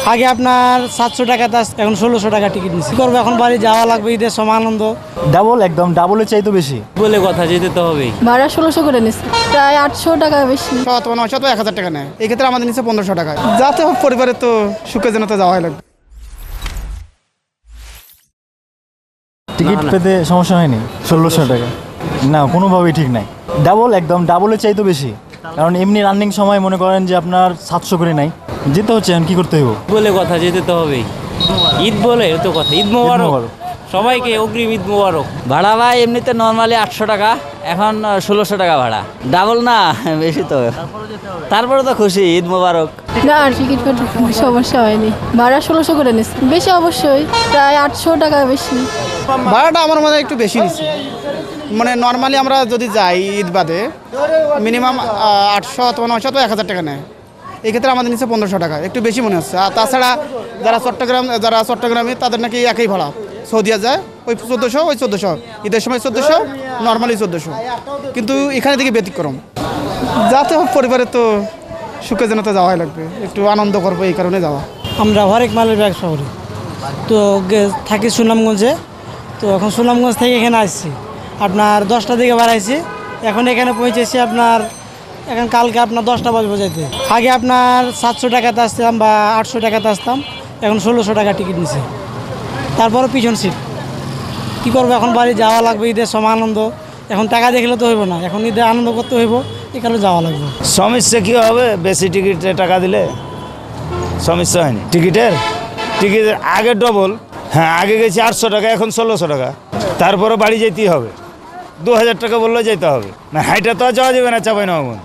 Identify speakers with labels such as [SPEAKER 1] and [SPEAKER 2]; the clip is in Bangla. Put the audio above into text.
[SPEAKER 1] আগে আপনার 700 টাকাতে আসতো, এখন 1600 টাকা টিকিট নিচ্ছি। কি করবো, এখন বাড়ি যাওয়া লাগবে, ঈদের সময় আনন্দ।
[SPEAKER 2] ডাবল, একদম ডাবলের চাইতে বেশি
[SPEAKER 3] বলে কথা, যেতে তো হবেই।
[SPEAKER 4] ভাড়া 1600 করে নিচ্ছে, প্রায় 800 টাকা বেশি।
[SPEAKER 5] অথবা 900 তো 1000 টাকা নেয়, এই ক্ষেত্রে আমাদের নিচ্ছে 1500 টাকা। যাতে হোক পরিবারের তো সুখে যেন তো যাওয়াই লাগবে।
[SPEAKER 2] টিকিট পেতে সমস্যা হয়নি 1600 টাকা? না, কোনোভাবেই ঠিক নাই। ডাবল, একদম ডাবলের চাইতে বেশি। কারণ এমনি রানিং সময় মনে করেন যে আপনার 700 করে নাই, যেতে হচ্ছে, এখন কী করতে হইব?
[SPEAKER 3] বলে কথা, যেতে তো হবেই। ঈদ বলে তো কথা, ঈদ মোবারক
[SPEAKER 2] মোবারক।
[SPEAKER 3] সবাইকে, অগ্রিম ঈদ মোবারক।
[SPEAKER 6] ভাড়া ভাই এমনিতে নর্মালি 800 টাকা, এখন 1600 টাকা ভাড়া। ডাবল না, বেশি তো। তারপরে তো খুশি, ঈদ মোবারক।
[SPEAKER 4] না, টিকিট পেতে সমস্যা হয়নি। ভাড়া 1600 করে নিচ্ছে, বেশি অবশ্যই, প্রায় 800 টাকা বেশি।
[SPEAKER 5] ভাড়াটা আমার মনে হয় একটু বেশি নিচ্ছে। মানে নর্মালি আমরা যদি যাই ঈদ বাদে মিনিমাম 800 অথবা 900 তো 1000 টাকা নেয়, এই ক্ষেত্রে আমাদের নিচ্ছে 1500 টাকা, একটু বেশি মনে হচ্ছে। আর তাছাড়া যারা চট্টগ্রামে তাদের নাকি একই ভাড়া, সৌদিয়া যায় ওই 1400, ঈদের সময় 1400, নর্মালি 1400, কিন্তু এখানে থেকে ব্যতিক্রম। যাতে হোক পরিবারের তো সুখে যেন তো যাওয়াই লাগবে, একটু আনন্দ করবো, এই কারণে যাওয়া।
[SPEAKER 1] আমরা হরেক মালের ব্যবসা করি, তো থাকি সুনামগঞ্জে। তো এখন সুনামগঞ্জ থেকে এখানে আসছি আপনার 10টা দিকে বাড়াইছি, এখন এখানে পৌঁছেছি আপনার, এখন কালকে আপনার 10টা বাজবো যেতে। আগে আপনার 700 টাকাতে আসতাম বা 800 টাকাতে আসতাম, এখন 1600 টাকা টিকিট নিছে। তারপরে পিছন সিট। কী করবো, এখন বাড়ি যাওয়া লাগবে, ঈদের সময় আনন্দ। এখন টাকা দেখলে তো হইব না, এখন ঈদে আনন্দ করতে হইব, এই কারণে যাওয়া লাগবে।
[SPEAKER 7] সমস্যা কী হবে, বেশি টিকিটে টাকা দিলে সমস্যা হয়নি। টিকিটের আগে ডবল, হ্যাঁ আগে গেছি 800 টাকা, এখন 1600 টাকা। তারপরে বাড়ি যেতেই হবে, 2000 টাকা বললেও যেতে হবে না, হাইটা তো আর যাওয়া যাবে না চাপাই নবাবগঞ্জ।